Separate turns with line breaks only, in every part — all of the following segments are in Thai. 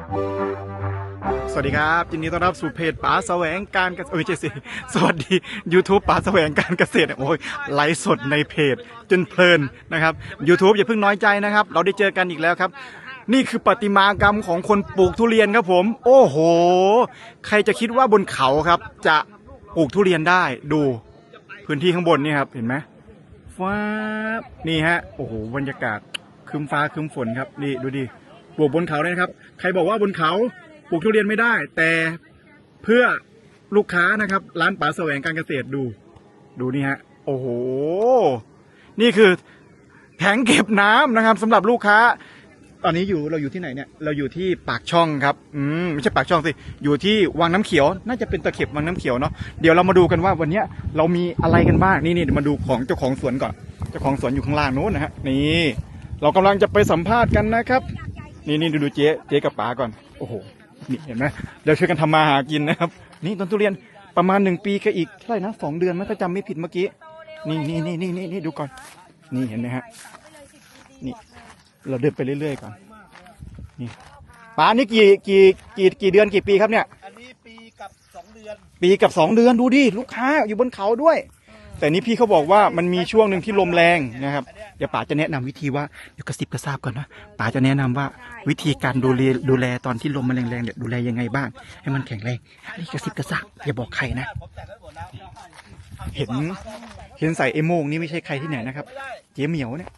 สวัสดีครับยินดีต้อนรับสู่เพจป๋าแสวงการเกษตรไม่ใช่สิสวัสดี YouTube ป๋าแสวงการเกษตรโอ้ยไลฟ์สดในเพจจนเพลินนะครับ YouTube อย่าเพิ่งน้อยใจนะครับเราได้เจอกันอีกแล้วครับนี่คือประติมากรรมของคนปลูกทุเรียนครับผมโอ้โหใครจะคิดว่าบนเขาครับจะปลูกทุเรียนได้ดูพื้นที่ข้างบนนี่ครับเห็นไหมฟ้านี่ฮะโอ้โหบรรยากาศครึ้มฟ้าครึ้มฝนครับนี่ดูดิปลูกบนเขาเลยนะครับใครบอกว่าบนเขาปลูกทุเรียนไม่ได้แต่เพื่อลูกค้านะครับร้านป๋าแสวงการเกษตรดูนี่ฮะโอ้โหนี่คือแผงเก็บน้ำนะครับสำหรับลูกค้าตอนนี้เราอยู่ที่ไหนเนี่ยเราอยู่ที่ปากช่องครับไม่ใช่ปากช่องสิอยู่ที่วังน้ำเขียวน่าจะเป็นตะเข็บวังน้ำเขียวเนาะเดี๋ยวเรามาดูกันว่าวันนี้เรามีอะไรกันบ้างนี่เดี๋ยวมาดูของเจ้าของสวนก่อนเจ้าของสวนอยู่ข้างล่างโน้นนะฮะนี่เรากำลังจะไปสัมภาษณ์กันนะครับนี่ดูเจ๊กับป๋าก่อนโอ้โหนี่เห็นไหมเดี๋ยวช่วยกันทำมาหากินนะครับนี่ต้นทุเรียนประมาณ1 ปีก็อีกเท่าไหร่นะ2 เดือนถ้าจำไม่ผิดเมื่อกี้นี่ดูก่อนนี่เห็นไหมฮะนี่เราเดินไปเรื่อยๆก่อนนี่ป๋านี่กี่เดือนกี่ปีครับเนี่ย
อันนี้ปีกับ2 เดือน
ปีกับ2 เดือนดูดิลูกค้าอยู่บนเขาด้วยแต่นี้พี่เขาบอกว่ามันมีช่วงหนึ่งที่ลมแรงนะครับเดี๋ยวป๋าจะแนะนำวิธีว่าเดี๋ยวกระซิบกระซาบก่อนนะป๋าจะแนะนำว่าวิธีการดูแลตอนที่ลมมันแรงๆเนี่ยดูแลยังไงบ้างให้มันแข็งแรงนี่กระซิบกระซาบอย่าบอกใครนะเห็นใส่ไอ้โม่งนี่ไม่ใช่ใครที่ไหนนะครับเจ๊เหมียวเนี่ย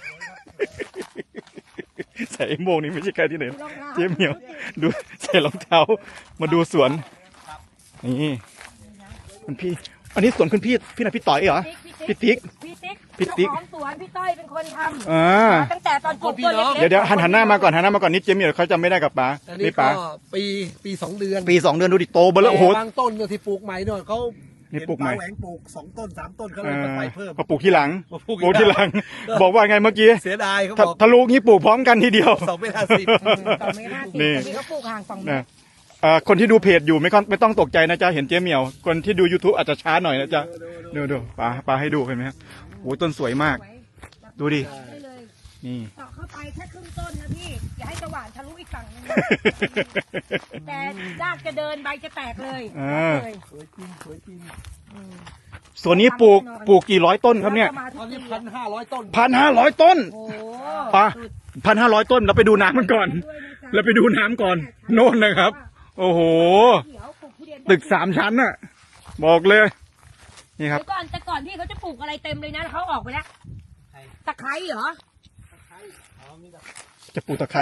ใส่ไอ้โม่งนี่ไม่ใช่ใครที่ไหนเจ๊เหมียวดูใส่รองเท้ามาดูสวนนี่มันพี่อันนี้สวนคุณพี่ไหนพี่ต่อยเหรอพี่ติ๊ก
ของสวนพี่ต้อยเป็นคนทำตั้งแต่ตอนปลูกต้นเล็ก
เดี๋ยวหันหน้ามาก่อนนิดเจมี่เขาจำไม่ได้กับป๋า
นี่ป๋าปี2 เดือน
ดูดิโตเบลอโอ้โห
บางต้นที่ปลูกใหม่เนี่ยเขา
นี่ปลูกใหม่
แหวงปลูก2 ต้น 3 ต้นเขาเลยไปเพิ่ม
มาปลูกที่หลังบอกว่าไงเมื่อกี้
เสียดายเขาบอก
ทะลุงี้ปลูกพร้อมกันทีเดียว
2 เมตร
50นี่เขาปลูกห่าง2 เมตร
คนที่ดูเพจอยู่ไม่ต้องตกใจนะจ๊ะเห็นเจ๊เหมียวคนที่ดู YouTube อาจจะช้าหน่อยนะจ๊ะดูป๋าให้ดูเห็นไหมครับโอ้ต้นสวยมากดูดินี่
เจาะเข้าไปแค่ครึ่งต้นนะพี่อย่าให้จะหวานทะลุอีกฝั่งนึงแต่รากจะเดินใบจะแตกเลย
สวยจริง
ส่วนนี้ปลูกกี่ร้อยต้นครับเนี่ย
ตอนนี้1,500 ต้น
1,500 ต้นป๋า1,500 ต้นเราไปดูน้ำมันก่อนโน่นนะครับโอ้โหตึก3 ชั้นน่ะบอกเลยนี่ครับ
แต่ก่อนที่เขาจะปลูกอะไรเต็มเลยนะเขาออกไปแล้วตะไคร้เหรอ
จะปลูกตะไคร้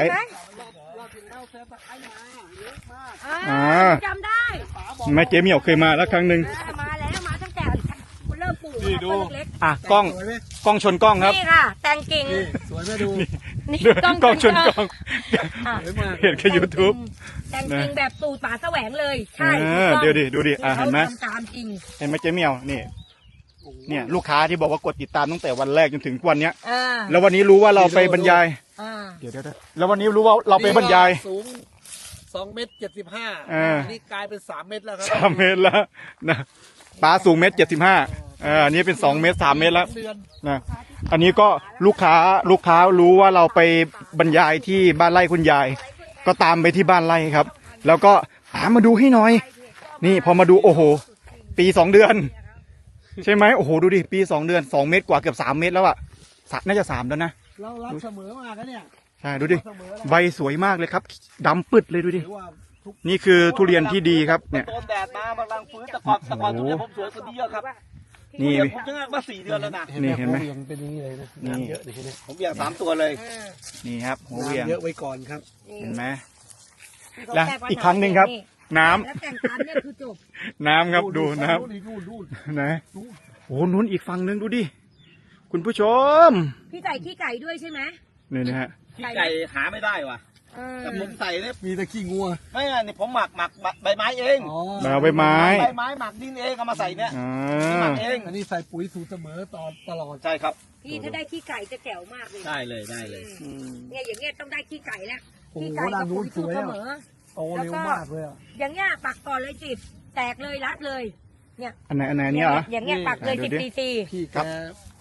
จำได้
แม่เจ๊เหมียวเคยมาแล้วครั้งหนึ่ง
มาตั้งแต่เริ่มปลูกต้นเล็ก
กล้องชนกล้องครับ
นี่ค่ะแตงกิ่ง
สวยไหมดู
นี่กล้องชนกล้องเห็นแค่ YouTube
แตงกิ่งแบบสูตรป๋าแสวงเลยใช่
เดี๋ยวดูดิเห็นไหม
ตามจริง
เห็นไหมเจ๊เหมียวเนี่ยลูกค้าที่บอกว่ากดติดตามตั้งแต่วันแรกจนถึงวันเนี้ยแล้ววันนี้รู้ว่าเราไปบรรยายเดี๋ยวแล้ววันนี้รู้ว่าเราไปบรรยาย
สูง2.75 เมตรนี่กลายเป็น3 เมตรแล้วครับ
3 เมตรแล้วนะป๋าสูง1.75 เมตรอันนี้เป็น2 เมตร 3 เมตรแล้วนะอันนี้ก็ลูกค้ารู้ว่าเราไปบรรยายที่บ้านไร่คุณยายก็ตามไปที่บ้านไร่ครับแล้วก็มาดูให้หน่อยนี่พอมาดูโอ้โหปี2 เดือนใช่ไหมโอ้โหดูดิปี2 เดือน2 เมตรกว่าเกือบ3 เมตรแล้วอะน่าจะ3แล้วนะ
เรารักเสมอมากนะเนี่ย
ใช่ดูดิใบสวยมากเลยครับดำปึดเลยดูดินี่คือทุเรียนที่ดีครับเนี่ย
โดนแดดมาบางรังฟื้นแต่ก่อนทุเรียนผมสวยกว่านี้เยอะครับนี่ผมจะงานมา4 เดือนแล้วนะ
นี่เห็นไหม
เป็นอย่างนี้เลยนะ
นี่
เยอะดิผมเบี่ยง3 ตัวเลย
นี่ครับหัวเบี่ยง
เยอะไว้ก่อนครับ
เห็นไหมแล้วอีกครั้งหนึ่งครับน้ำน้ำครับดูน้ำนะโอ้นู้นอีกฝั่งหนึ่งดูดิคุณผู้ชม
พี่ใส่ขี้ไก่ด้วยใช่ไหม
นี่นะฮะ
ขี้ไก่หาไม่ได้ว่ะแต่ผมใส่เนี่ยมีแต่ขี้งัวไม่ไงนี่ผมหมักใบไม้เอง
ใบไม้
หมักดินเองเอามาใส่เนี่ยหมักเองอันนี้ใส่ปุ๋ยสูตรเสมอตลอดใช่ครับ
พี่ถ้าได้ขี้ไก่จะแจ๋วมากเลย
ได้เลย
เนี่ยอย่างเงี้ยต้องได้ขี้ไก่แล้ว
ขี้ไก่กับปุ๋ยสูตรเสมอโตเร็วมากเลย
อย่างเงี้ยปักก่อนเลยจิบแตกเลยรัดเลยเนี่ย
อันไหนเนี่ยเหรอ
อย่างเงี้ยปักเลย10 cc
พี่แก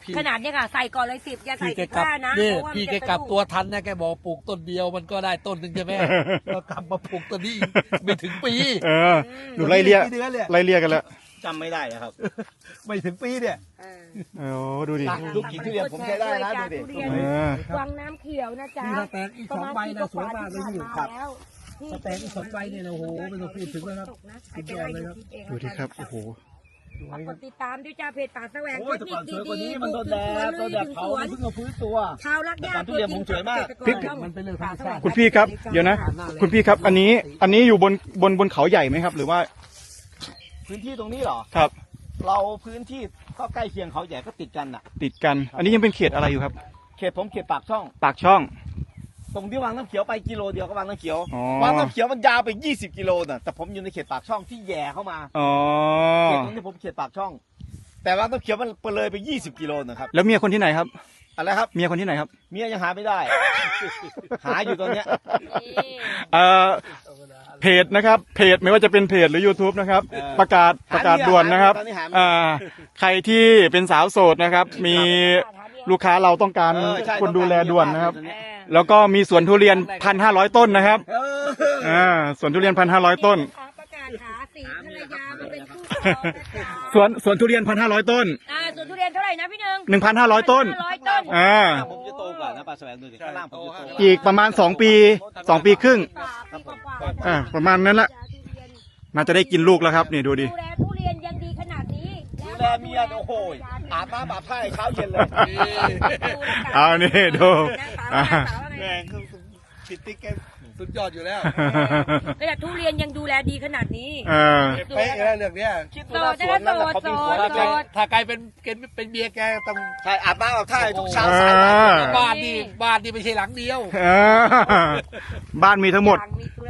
ขนาดเนี้ยค่ะใส่ก่อนเลย10อย่าใส่
พี่แกกลับ
15นะ
นี่
เพราะว่า
พี่
มัน
แก
จะ
กลับ
เป็น
ตัวทันนะแกบอกปลูกต้นเดียวมันก็ได้ต้นหนึ่งใช่ไหม ก็กลับมาปลูกต้นนี้ไม่ถึงปี
เออดูไล่เลี่ย
กี่เดือนเลย
ไล่เลี่ยกันแล้ว
จำไม่ได้แล้วครับ
ไม่ถึงปีเนี่ย
เออ
โอ้ดูดิ
ลูกกี่ทุเรียนผมใช้ได้นะดูดิ
ทุเรียน
เออ
วังน้ำเขียวนะจ๊ะ
นี่ถ้าแตกอีกสองใบนะสวยมากเลยพี่
ครับแล้ว
ถ้าแตกอีก2 ใบเนี่ยนะโอ้โหไม่ต้องพูดถึงแล้วครับ สุดยอดเลยครับ
ดูดิครับโอ้โห
กดติดตามด้วยจ้าเพจป่าแสวง
โอ้ยแต่ก่อนสวยกว่านี้
ๆ
มันโดนแดดโดนแดดเผา
สวน
มันเพิ่งมาฟื้นตัว
ชาวรักหญ้า
แต่ก่อนทุเรียนผมสวยมาก
เษตรร
มันเป็นเรื่องธรรมชาติ
คุณพี่ครับเดี๋ยวนะ คุณพี่ครับอันนี้อยู่บนเขาใหญ่ไหมครับ หรือว่า
พื้นที่ตรงนี้เหรอ
ครับ
เราพื้นที่ก็ใกล้เคียงเขาใหญ่ก็ติดกันน่ะ
ติดกัน อันนี้ยังเป็นเขตอะไรอยู่ครับ
เขตผมเขตปากช่อง
ปากช่อง
ตรงที่วังน้ำเขียวไปกิโลเดียวก็วังน้ำเขียว
อ๋อ
วังน้ำเขียวมันยาวไป20 กิโลน่ะแต่ผมอยู่ในเขตปากช่องที่แย่เข้ามา
อ๋อ
เขตตรงนี้ผมเขตปากช่อง แต่วังน้ำเขียวมันเลยไป20 กิโลนะครับ
แล้วเมียคนที่ไหนครับ
อะไรครับ
เมียคนที่ไหนครับ
เมียยังหาไม่ได้ หาอยู่ตอนเนี้ย
เอ่อเพจนะครับเพจไม่ว่าจะเป็นเพจหรือ YouTube นะครับ ประกาศด่วนนะครับใครที่เป็นสาวโสดนะครับ มีลูกค้าเราต้องการ
ใช่
คนดูแลด่วนนะครับ
เออ
แล้วก็มีสวนทุเรียน 1,500 ต้นนะครับ
เออ
สวนทุเรียน 1,500 ต้น
ประกาศหาสีภรรยามาเป็นคู่ครองนะจ๊ะ
สวนทุเรียน 1,500 ต้น
สวนทุเรียนเท่าไหร่นะพี่หนึ่ง
1,500 ต้น
1,500 ต้น
ผมจะโตกว่านะปลาแสวงดูดิข้างล่างผมจะโตกว่า
อีกประมาณ2 ปี 2 ปีครึ่ง
ปีกว่าๆ
ประมาณนั้นละน่าจะได้กินลูกแล้วครับนี่ดูดิ
ดูแลทุเรียนยังดีขนาดนี้
ดูแลเมียโอ้โหอาบน้ำอาบท่าให้เช้าเย็นเลย
เอานี่ดูอ่า
แรงคือปิดติ๊กแก
สุดยอดอยู่แล้ว
ขนาดทุเรียนยังดูแลดีขนาดนี้
เออ
เป๊ะแล้วเรื่องเนี้ย
คิดดูนะสวนนั่นแหละเขาเป็นสวน
โส
แก
ด
ถ้ากลายเป็นเมียแกต้อง
ใช่อาบน้ำอาบท่าให้ทุกเช้า
อ่า
สายบ่าย
บ้านนี่ไม่ใช่หลังเดียว
เออบ้านมีทั้งหมด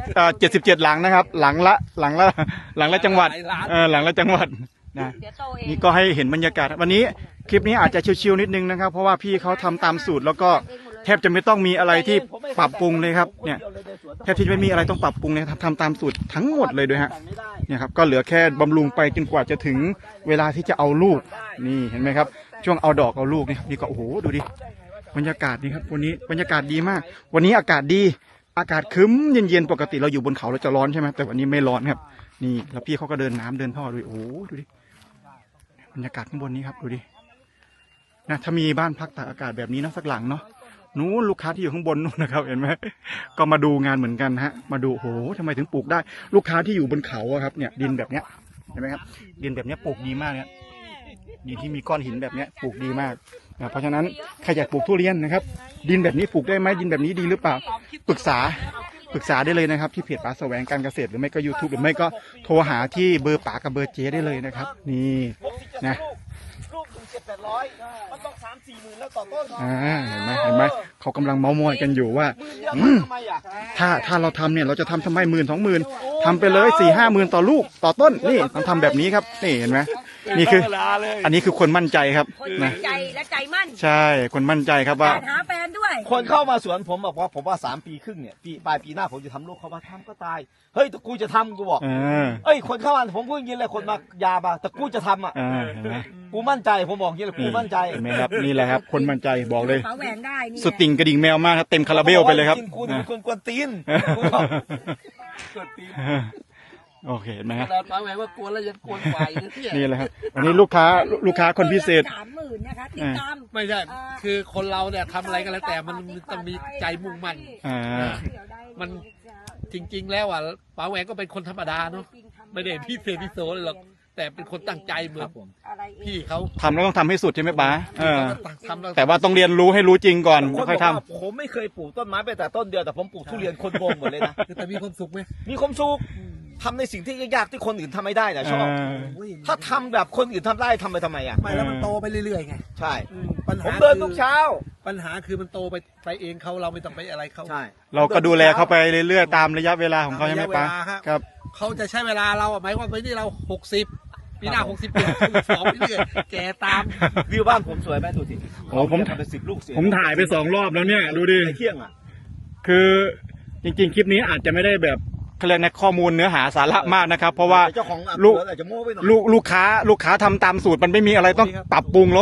77 หลังนะครับ หลังละจังหวัด
หลายล้าน
หลังละจังหวัดนะ
เดี๋ยวโตเอง
นี่ก็ให้เห็นบรรยากาศวันนี้คลิปนี้อาจจะชิวๆนิดนึงนะครับ เพราะว่าพี่เขาทำตามสูตรแล้วก็แทบจะไม่ต้องมีอะไรที่ปรับปรุงเลยครับเนี่ยแทบที่จะไม่มีอะไรต้องปรับปรุงเลยครับทำตามสูตรทั้งหมดเลยด้วยฮะเนี่ยครับก็เหลือแค่บำรุงไปจนกว่าจะถึงเวลาที่จะเอาลูกนี่เห็นไหมครับ ช่วงเอาดอกเอาลูกนี่ก็โอ้โหดูดิบรรยากาศนี่ครับวันนี้บรรยากาศดีมาก วันนี้อากาศดีอากาศครึ้มเย็นๆปกติเราอยู่บนเขาเราจะร้อนใช่ไหมแต่วันนี้ไม่ร้อนครับนี่แล้วพี่เขาก็เดินน้ำเดินท่อด้วยโอ้โหดูดิบรรยากาศข้างบนนี้ครับดูดินะถ้ามีบ้านพักตากอากาศแบบนี้นะสักหลังเนาะนู้นลูกค้าที่อยู่ข้างบนนู้นนะครับเห็นไหมก็มาดูงานเหมือนกันฮะมาดูโอ้โหทำไมถึงปลูกได้ ลูกค้าที่อยู่บนเขาอะครับเนี่ยดินแบบเนี้ยเห็นไหมครับดินแบบเนี้ยปลูกดีมากเนี่ยดินที่มีก้อนหินแบบเนี้ยปลูกดีมากนะเพราะฉะนั้นใครอยากปลูกทุเรียนนะครับดินแบบนี้ปลูกได้ไหมดินแบบนี้ดีหรือเปล่าปรึกษาได้เลยนะครับที่เพจป๋าแสวงการเกษตรหรือไม่ก็ YouTube หรือไม่ก็โทรหาที่เบอร์ป๋ากับเบอร์เจได้เลยนะครับนี่นะ
ลูก1,700มันต้อง3-4 หมื่นแล้วต่อต้น
เห็นไหมเขากำลังเมามอยกันอยู่ว่า
หมื่นเดียวทำไมอ่ะ
ถ้าเราทำเนี่ยเราจะทำทำไม10,000-20,000ทำไปเลย4-5 หมื่นต่อลูกต่อต้นนี่ต้องทำแบบนี้ครับนี่เห็นไหมนี่คืออันนี้คือคนมั่นใจครับ
คน
นะ
ใจและใจมั่น
ใช่คนมั่นใจครับว่า
หาแฟนด้วย
คนเข้ามาสวนผมบอกว่าผมว่า3 ปีครึ่งเนี่ยปลายปีหน้าผมจะทำลูกเขามาทำก็ตายเฮ้ยแต่กูจะทำกูบอก เอ้ยคนเข้ามาผมพูดอย่างนี้เลยคนมายาบาแต่กูจะทำอ่ะ
เห็นไหม
กูมั่นใจผมบอกอย่างนี้เลยกูมั่นใจ
เห็นไหมครับนี่แหละครับคนมั่นใจบอกเลย
ป๋าแหวงได้นี่
สุดติ่งกระดิ่งแมวมากครับเต็มคาราเบลไปเลยครับ
กูเป็นคนกวนตีน
โอเคเห็นไหมครับ
เราตั้งไว้ว่ากวนแล้วยังกวนไหวนะที่
นี่แหละครับวันนี้ลูกค้าคนพิเศษ
30,000นะคะติดตาม
ไม่ใช่คือคนเราเนี่ยทำอะไรก็แล้วแต่มันต้องมีใจมุ่งมั่น มัน จริง ๆ แล้วอ่ะป๋าแหวงก็เป็นคนธรรมดาเนาะไม่ได้พิเศษพิโสเลยหรอกแต่เป็นคนตั้งใจเหมือนพี่เขา
ทำแล้วต้องทำให้สุดใช่ไหมป๋า
ทำแล้ว
แต่ว่าต้องเรียนรู้ให้รู้จริงก่อน
คน
ค่อย
บอก
ท
ว่าผมไม่เคยปลูกต้นไม้ไปแต่ต้นเดียวแต่ผมปลูกทุเรียนคนโกงหมดเลยนะ
แต่มีความสุขไหม
มีความสุขทำในสิ่งที่ยากๆที่คนอื่นทำไม่ได้นะ
ำ
ชอบ ถ้าทำแบบคนอื่นทำได้ทำไปทำไมอ่ะ
ไม่แล้วมันโตไปเรื่อยๆไง
ใช่
ปัญ
ผม
หา
เดินทุกเช้า
ปัญหาคือมันโตไปเองเขาเราไม่ต้องไปอะไรเขา
ใช่
เราก็ดูแลเขาไปเรื่อยๆตามระยะเวลาของเขาใช่ไหมป๋า
ระยะเวลาครับ
ครับ
เขาจะใช้เวลาเราหมายความว่านี่เรา60ปีหน้า62ไปเรื่อยแกตาม
วิวบ้านผมสวยไหมดูสิ
โอ้ผม
ทำเป็น10 ลูกเสีย
ผมถ่ายไป2 รอบแล้วเนี่ยดูดิ
ในเที่ยงอ่ะ
คือจริงๆ คลิปนี้อาจจะไม่ได้แบบเขาเรียกนะข้อมูลเนื้อหาสาระมากนะครับ เพราะว่า
เจ้าของ
ลูก
อาจจะโม้ไปหน่อย
ลูกค้าทำตามสูตรมันไม่มีอะไรต้องปรับปรุงแล้วอ่ะ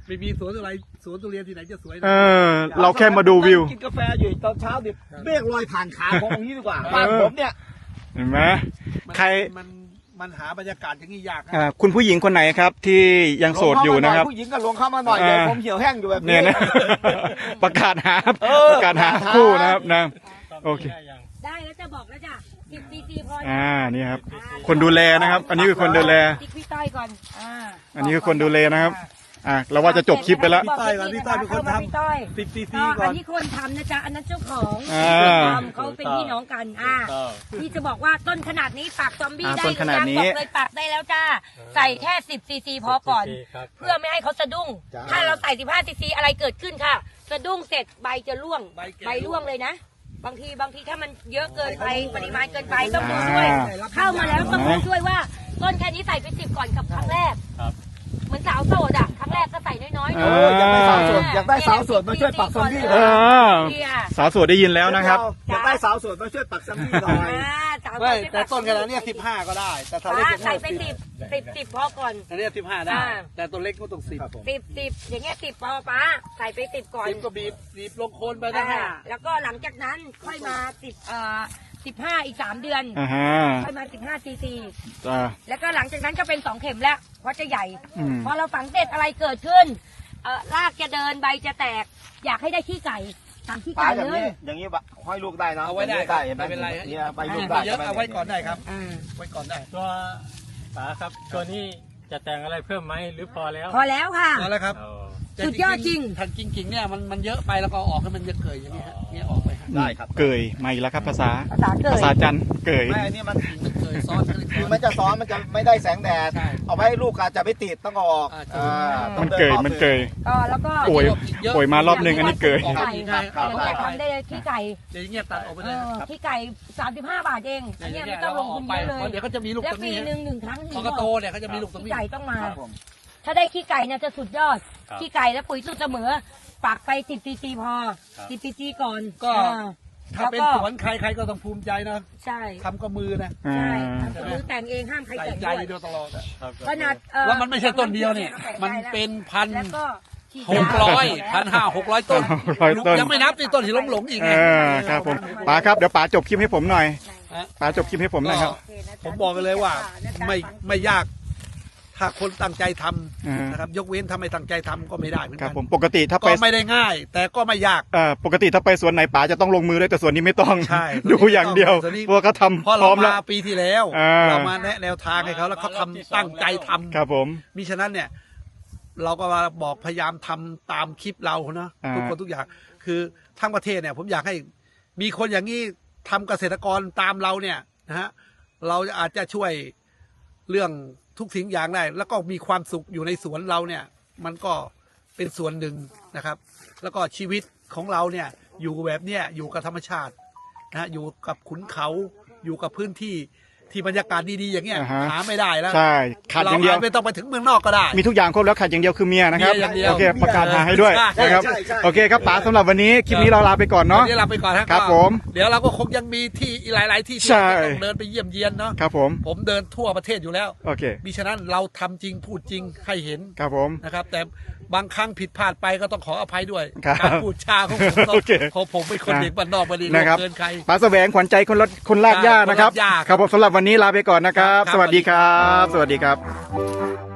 ไม่มีสวนอะไรสวนทุเรียนที่ไหนจะสวย
เออ เราแค่มาดูวิว
กินกาแฟอยู่ตอนเช้าดิเมฆลอยผ่านขาผมอย่างนี้ดีกว่าบ้านผมเนี่ย
เห็นไหมใคร
มันหาบรรยากาศอย่างนี้ยากนะ
คุณผู้หญิงคนไหนครับที่ยังโสดอยู่นะครับ
ผู้หญิงก็ลงเข้ามาหน่อยเดี๋ยวผมเหี่ยวแห้งอยู่แบบ
เนี่
นี้
ยนะ ประกาศหาคู่นะครับนะโอเค
ได้แล้วจะบอกแล้วจ้ะ10 cc พอ
นี่ครับ คนดูแลนะครับ อันนี้คือคนดูแล
ติ๊กพี่ต้อยก่อน
อันนี้คือคนดูแลนะครับ เราว่าจะจบคลิปไปแล้ว
พี่ต้อยเป็นคนทำพี่ต้อย
10 cc ก่
อั
อน น
นี้คนทำนะจ๊ะอันนั้นเจ้าของ เขาเป็นพี่น้องกันพี่จะบอกว่าต้นขนาดนี้ปักซอมบี้ได้
ต้นขนาดนี้
บอกเลยปักได้แล้วจ้าใส่แค่10 cc พอก่อน เพื่อไม่ให้เขาสะดุ้ง ถ้าเราใส่15 cc อะไรเกิดขึ้นค่ะสะดุ้งเสร็จใบจะร่วงใบร่วงเลยนะ บางทีถ้ามันเยอะเกินไปปริมาณเกินไปต้องดูด้วย เข้ามาแล้วต้องดูด้วยว่าต้นแค่นี้ใส่ไป10ก่อนกับครั้งแรกเหมือนสาวโสดอ่ะครั้งแรกก็ใส่น้อยๆ
อยากได้สาวโสดอยากได้สาวโสดมาช่วยปักซอมบี้หน่อย
สาวโสดได้ยินแล้วนะครับ
อยากได้สาวโสดมาช่วยปักซอมบี้หน่อย
ไม่แต่ต้นขนาดนี้15ก็ได้ แต่ถ้าเล็ก
ใส่ไป10พอก่อน
อันนี้15ได้แต่ตัวเล็กก็ต้อง10
10อย่างเงี้ย10พอป้าใส่ไป10ก่อน
10ก็บีบลงโคนไปนะฮะ
แล้วก็หลังจากนั้นค่อยมา15อีก3 เดือนค่อยมา15 cc แล้วก็หลังจากนั้นก็เป็น2เข็มแล้วเพราะจะใหญ่พอเราฝังเสร็จอะไรเกิดขึ้นรากจะเดินใบจะแตก อยากให้ได้ขี้ไก่ตามขี้
ปลา
ไก่
อย่าง
เลย
นี้อย่างนี้ห้อยลูกได้นะ
เอาไว้ได้
ไม่เป็นไรเนี่ยใบลูก
ได้
ได้
เยอะเอาไว้ก่อนได้ครับไว้ก่อนได้
ตัวป๋าครับตัวนี้จะแต่งอะไรเพิ่มไหมหรือพอแล้ว
พอแล้วค่ะ
เอาแล้วครับ
อ๋อ
สุดยอดจริง
ทันจริงๆเนี่ยมันเยอะไปแล้วก็ออกให้มันจะเกยอย่างนี้ฮะเนี่ยออกไปฮะ
ได้ครับ
เกยมาอีกแล้วครับภาษา
เกิด
ภาษาจันทร์เกย
ไม่อันนี้มัน
มันเกยซ้อนกันเลย
คือมันจะซ้อนมันจะไม่ได้แสงแดด
ใช่
เอาไว้ให้ลูกอาจจะไม่ติดต้องเอาออกต้
มั
อง
น
ดิ
เกย
รอบ
มันเกย
แล้วก็
โอยมารอบหนึ่งอันนี้เกย
ขี้ไก่ทำได้เลยขี้ไก่
เดี๋ยวอย่างเงี้ยตัดออกไปเลยครับ
ขี้ไก่35 บาทเองอันนี้ไม่ต้องลงทุนเยอะเลย
เดี๋ยวก็จะมีลูก
และ
ตรง
ปี
นี้
หนึ่งครั้ง
พอกระโตเนี่ยเขาจะมีลูกตรง
ขี้
นี้
ไก่ต้องมา
ครับผม
ถ้าได้ขี้ไก่เนี่ยจะสุดยอด ขี้ไก่และปุ๋ยสูตรเสมอปักไป10 cc พอ10 cc ก่อน
ก็ถ้าเป็นสวนใครก็ต้องภูมิใจนะ
ใช่
ทำก็มือนะ
ใช่ทำมือแต่งเองห้ามใคร
ใส่
แต่ง
ใจ
ด้วย
โดยตลอดอะ
ขนาด
แล้วมันไม่ใช่ต้นเดียวเนี่ยมันเป็นพัน
แล้วก็ฉีด
1,500 ต้น
600 ต้น
ยังไม่นับในต้นที่หลงอีกไง
ครับผมป๋าครับเดี๋ยวป๋าจบคลิปให้ผมหน่อยป๋าจบคลิปให้ผมหน่อยครับ
ผมบอกกันเลยว่าไม่ยาก ถ้าคนตั้งใจทำนะครับยกเว้นถ้าไม่ตั้งใจทำก็ไม่ได้เหมือน
ครั
กับ น
ผมปกติถ้า
ก็
ไป
ไม่ได้ง่าย แต่ก็ไม่ยาก
ปกติถ้าไปสวนไหนป๋าจะต้องลงมือด้วยแต่สวนนี้ไม่ต้อง
ใช่
ดูอย่างเดียว
สวนนี้
เพราะว่าเขาทำ
เพราะ
พร้
เรา
อมแล้ว
มาปีที่แล้ว เรามาแนะแนวทางให้เขาแล้วเขาทำตั้งใจทำ
ครับผม
มิฉะนั้นเนี่ย เราก็มาบอกพยายามทำตามคลิปเราเนาะทุกคนทุกอย่าง คือทั้งประเทศเนี่ย ผมอยากให้มีคนอย่างนี้ทำเกษตรกรตามเราเนี่ยนะฮะเราอาจจะช่วยเรื่องทุกสิ่งอย่างได้ แล้วก็มีความสุขอยู่ในสวนเราเนี่ย มันก็เป็นส่วนหนึ่งนะครับ แล้วก็ชีวิตของเราเนี่ย อยู่แบบเนี้ยอยู่กับธรรมชาตินะฮะอยู่กับขุนเขาอยู่กับพื้นที่ที่บรรยากาศดีๆอย่างเงี้ยหาไม่ได้แล้ว
ใช่ขาดอย่างเดียว
เราไม่ต้องไปถึงเมืองนอกก็ได้
มีทุกอย่างครบแล้วขาดอย่างเดียวคือเมียนะครับ
เมียอย่างเดียว
โอเคประกาศหาให้ด้วย
ใช่
นะครับ
ใช่ใช่
โอเคครับป๋าสำหรับวันนี้คลิปนี้เราลาไปก่อนเนาะ
เดี๋ยวเราไปก่อนนะครับ
ผม
เดี๋ยวเราก็คงยังมีที่อีกหลาย ๆ ที่ที่
ใช่
เราจะต้องเดินไปเยี่ยมเยียนเนาะ
ครับผม
ผมเดินทั่วประเทศอยู่แล้ว
โอเค
มิฉะนั้นเราทำจริงพูดจริงให้เห็น
ครับผม
นะครับ แต่บางครั้งผิดพลาดไปก็ต้องขออภัยด้วย
ครับ
การพูดจาของผมเนอะ
โอเค
เพราะผมเป็นคนเด็กบ้านนอกมาดี
นะครับ
เกินใคร
ป๋าแสวงขวัญใจคนลากหญ้านะครับ
คนลากหญ้า
ครับผมสำหรับวันนี้ลาไปก่อนนะครับ
ครับ
สวัสดีครับ สวัสดีครับ